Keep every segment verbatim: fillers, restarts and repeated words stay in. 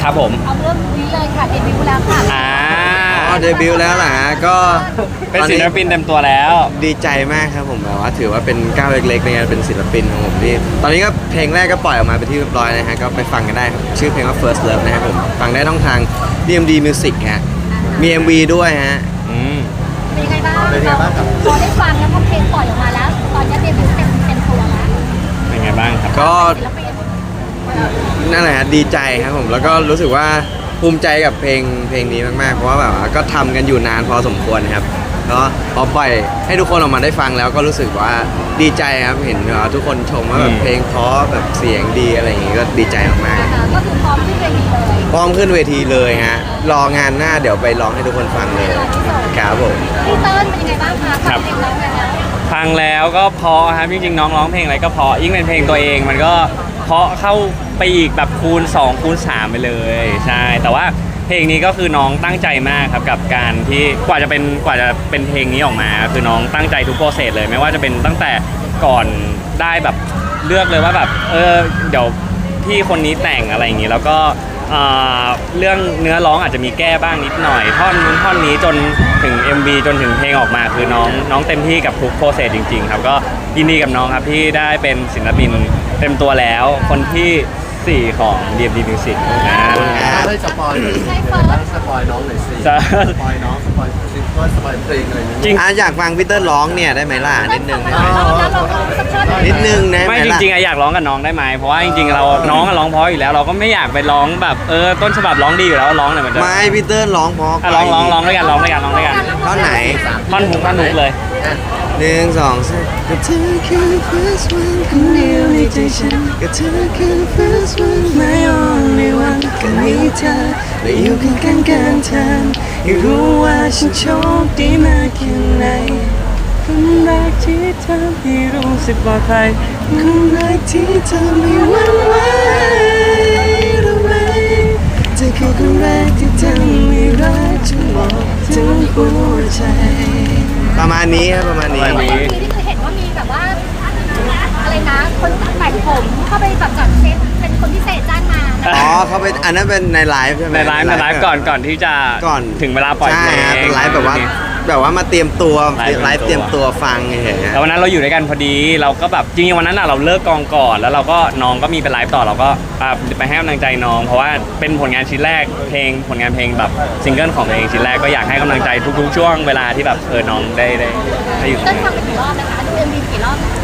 ครับผมเอาเรื่องนี้เลยค่ะเดบิวต์แล้วค่ะอ่าอ๋อเดบิวต์แล้วเหรอฮะก็เป็นศิลปินเต็มตัวแล้วดีใจมากครับผมแบบว่าถือว่าเป็นก้าวเล็กๆในการเป็นศิลปินของผมที่ตอนนี้ก็เพลงแรกก็ปล่อยออกมาเป็นที่เรียบร้อยนะฮะก็ไปฟังกันได้ครับชื่อเพลงว่า First Love นะครับผมฟังได้ต้องทาง ดี เอ็ม ดี Music ฮะมี เอ็ม วี ด้วยฮะอืมเป็นยังไงบ้างพอได้ฟังแล้วพอเพลงปล่อยออกมาแล้ว ตอนนี้เดบิวต์เต็มเต็มตัวแล้วเป็นไงบ้างครับก็ศิลปินนั่นแหละฮะดีใจครับผมแล้วก็รู้สึกว่าภูมิใจกับเพลงเพลงนี้มากๆเพราะว่าแบบว่าก็ทำกันอยู่นานพอสมควรครับก็พอปล่อยให้ทุกคนออกมาได้ฟังแล้วก็รู้สึกว่าดีใจครับเห็นว่าทุกคนชมว่าแบบเพลงเพราะแบบเสียงดีอะไรอย่างงี้ก็ดีใจมากนะคะก็คือพร้อมที่เวทีเลยๆพร้อมขึ้นเวทีเลยฮะรองานหน้าเดี๋ยวไปร้องให้ทุกคนฟังเลยครับผมพี่เติ้ลเป็นยังไงบ้างคะฟังเพลงร้องกันแล้วฟังแล้วก็เพราะครับจริงๆน้องร้องเพลงอะไรก็เพราะยิ่งเป็นเพลงตัวเองมันก็เพราะเข้าไปอีกแบบคูณสองคูณสามไปเลยใช่แต่ว่าเพลงนี้ก็คือน้องตั้งใจมากครับกับการที่กว่าจะเป็นกว่าจะเป็นเพลงนี้ออกมาคือน้องตั้งใจทุกโปรเซสเลยไม่ว่าจะเป็นตั้งแต่ก่อนได้แบบเลือกเลยว่าแบบเออเดี๋ยวพี่คนนี้แต่งอะไรอย่างนี้แล้วก็เอ่อเรื่องเนื้อร้องอาจจะมีแก้บ้างนิดหน่อยท่อนนู้นท่อนนี้จนถึง เอ็ม วี จนถึงเพลงออกมาคือน้องน้องเต็มที่กับทุกโปรเซสจริงๆครับก็ยินดีกับน้องครับที่ได้เป็นศิลปินเต็มตัวแล้วคนที่สี่ของ ดี เอ็ม ดี Music นะให้สปอยหน่อยสิบ้างสปอยน้องหน่อยสิสปอยน้องสปอยซิงเกิลสปอยเพลงอะไรอย่างจริเงี้งยอ่ะอยากฟังพีเตอร์ร้องเนี่ยได้ไหมล่ะนิดนึงได้ไหมเราเราเราสักท่อนหนึ่งนิดนึงนะไม่จล่ะริงๆอะอยากร้องกับน้องได้ไหมเพราะว่าจริงๆเราน้องอะร้องเพราะอยู่แล้วเราก็ไม่อยากไปร้องแบบเออต้นฉบับร้องดีอยู่แล้วร้องหน่อยมันจะไม่พีเตอร์ร้องเพราะอ่ะร้องร้องร้องด้วยกันร้องด้วยกันร้องด้วยกันท่อนไหนท่อนฮุกท่อนฮุกเลยหนึ่งสองสามก็เธอคือ first one คนเดียวในใจฉันก็เธอคือ first one my only one ก็มีเธอและอยู่ข้างกันกันเธอให้รู้ว่าฉันโชคดีมากแค่ไหนคนรักที่เธอให้รู้สึกปลอดภัยคนรักที่เธอไม่หวั่นไหวรู้ไหมเธอคือคนแรกที่ทำให้รักฉันบอกถึงหัวใจประมาณนี้ครับประมาณนี้ประมาณนี้เอ็มวีที่คือเห็นว่ามีแบบว่าอะไรนะคนแต่งผมเข้าไปแบบจัดเซตเป็นคนพิเศษจ้างมานะอ๋อเขาเป็นอันนั้นเป็นในไลฟ์ใช่ไหมในไลฟ์ในไลฟ์ก่อนก่อนที่จะก่อนถึงเวลาปล่อยเพลใช่งฮะเป็นไลฟ์แบบว่าแบบว่ามาเตรียมตัวไลฟ์ไลฟ์เตเตรีรียยมมตัตัว วฟังเฉยๆฮะแล้ววันนั้นเราอยู่ด้วยกันพอดีเราก็แบบจริงๆวันนั้นอะเราเลิกกองก่อนแล้วเราก็น้องก็มีไปไลฟ์ต่อเราก็อ่ะไปให้กำลังใจน้อง เพราะว่าเป็นผลงานชิ้นแรกเพลงผลงานเพลงแบบซิงเกิลของตัวเองชิ้นแรกก็อยากให้กำลังใจทุกๆ ช่วงเวลาที่แบบเออน้องได้ได้ได้อยู่ตรงเต้นนี้ฟังไปกี่รอบนะคะดูเอ็มวีกี่รอบนะคะ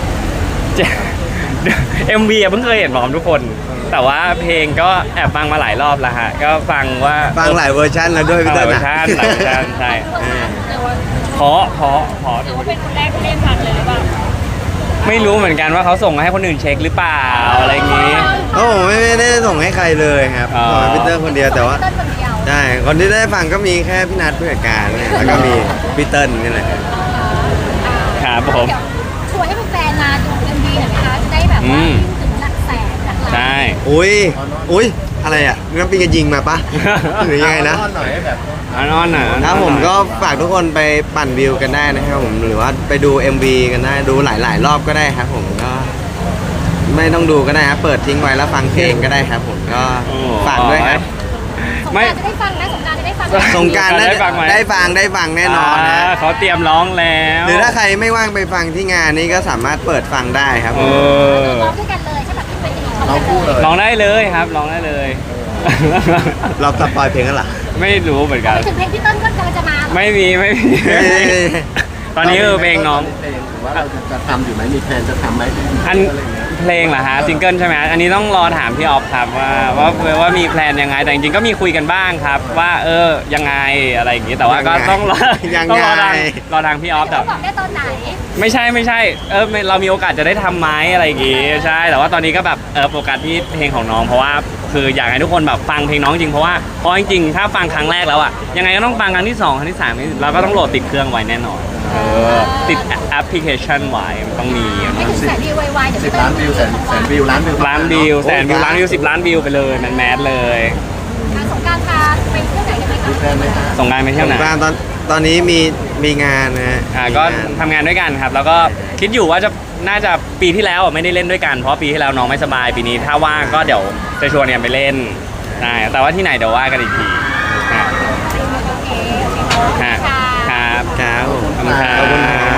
เอ็มวีเพิ่งเคยเห็นพร้อมทุกคน แต่ว่าเพลงก็แอบฟังมาหลายรอบแล้วฮะก็ฟังว่าฟังหลายเวอร์ชันแล้วด้วยฟัพี่งหเต้ลายลเวอนะร์ชันหลายเวอร์ชันใช่อ่าเพราะเพราะเพราะหรือว่าเป็นคนแรกที่เล่นฟังเลยหรือเปล่าไม่รู้เหมือนกันว่าเขาส่งมาให้คนอื่นเช็คหรือเปล่าอะไรอย่างงี้โอ้ผมไม่ไม่ได้ส่งให้ใครเลยครับอ๋อส่งให้พี่เตอร์คนเดียวแต่ว่าเต้นคนเดียวใช่คนที่ได้ฟังก็มีแค่พี่นัทผู้จัดการเนี่ยแล้วก็มีพี่เติ้ลนี่แหละครับผมเดี๋ยวชวนให้แฟนๆมาดูเอ็มวีหน่อยไหมคะจะได้แบบว่าถึงหลักแสนหลักล้านใช่อุ้ยอุ้ยอะไรอ่ะน้ำปิงจะยิงมาปะหรือยังไงนะเอาหน่อยให้แบบอันนอนอ่ะครับผมก็ฝากทุกคนไปปั่นวิวกันได้นะครับผมหรือว่าไปดู เอ็ม วี กันได้ดูหลาย ๆ รอบก็ได้ครับผมก็ ไม่ต้องดูก็ได้ครับเปิดทิ้งไว้แล้วฟังเพลงก็ได้ครับผมก็ฝากด้วยครับสงกรานต์จะได้ฟังนะสงกรานต์จะได้ฟังไหมสงกรารได้ฟังไหมได้ฟังได้ฟังแน่นอนนะาเขาเตรียมร้องแล้วหรือถ้าใครไม่ว่างไปฟังที่งานนี้ก็สามารถเปิดฟังได้ครับผเอมอร้องด้วยกันเลยใช่แบบที่เป็นอย่างน้องคู่เลยร้องได้เลยครับร้องได้เลยเราสปอยเพลงกันเหรอไม่รู้เหมือนกันไปถึงเพลงพี่เต้นก็กำลังจะมาไม่มีไม่มี ตอนนี้คือเพลงน้องเพลงหรือว่าเราจะทำอยู่ไหมมีแพลนจะทำไหมอันเพลงเหรอฮะซิงเกิลใช่ไหมอันนี้ต้องรอถามพี่ออฟครับว่าว่าว่ามีแพลนยังไงแต่จริงๆก็มีคุยกันบ้างครับ ว่าเออยังไงอะไรอย่างงี้แต่ว่าก็ต้องรอยังต้องไงรอทางรอทางพี่ออฟแต่เขาบอกได้ตอนไหนไม่ใช่ไม่ใช่เออไม่เรามีโอกาสจะได้ทำไหมอะไรอย่างงี้ใช่แต่ว่าตอนนี้ก็แบบเออโฟกัสที่เพลงของน้องเพราะว่าคืออยากให้ทุกคนแบบฟังเพลงน้องจริงเพราะว่าเพราะจริงๆถ้าฟังครั้งแรกแล้วอ่ะยังไงก็ต้องฟังครั้งที่สองครั้งที่สามเราก็ต้องโหลดติดเครื่องไว้แน่นอนเออติดแอปพลิเคชันไว้มันต้องมีไม่ถึงแสนวิวไวๆเดี๋ยวสิพี่บเต้ล้าน นวิวแสนแสนวิวล้านวิวล้านวิวแสนวิวล้านวิวสิบล้านวิวไปเลยแมนแมสเลยการสงกรานต์พาไปเที่ยวไหนกันไหมคะมีแพลนไหมฮะส่งงานไปเที่ยวไหนบ้านตอนตอนนี้มีมีงานนะฮะอ่าก็ทำงานด้วยกันครับ แล้วก็คิดอยู่ว่าจะน่าจะปีที่แล้วอ่ะไม่ได้เล่นด้วยกันเพราะปีที่แล้วน้องไม่สบายปีนี้ถ้าว่างก็เดี๋ยวจะชวนกันไปเล่นใช่แต่ว่าที่ไหนเดี๋ยวว่ากันอีกทีฮะโอเคฮะครับครับผมขอบคุณครับขอบคุณครับ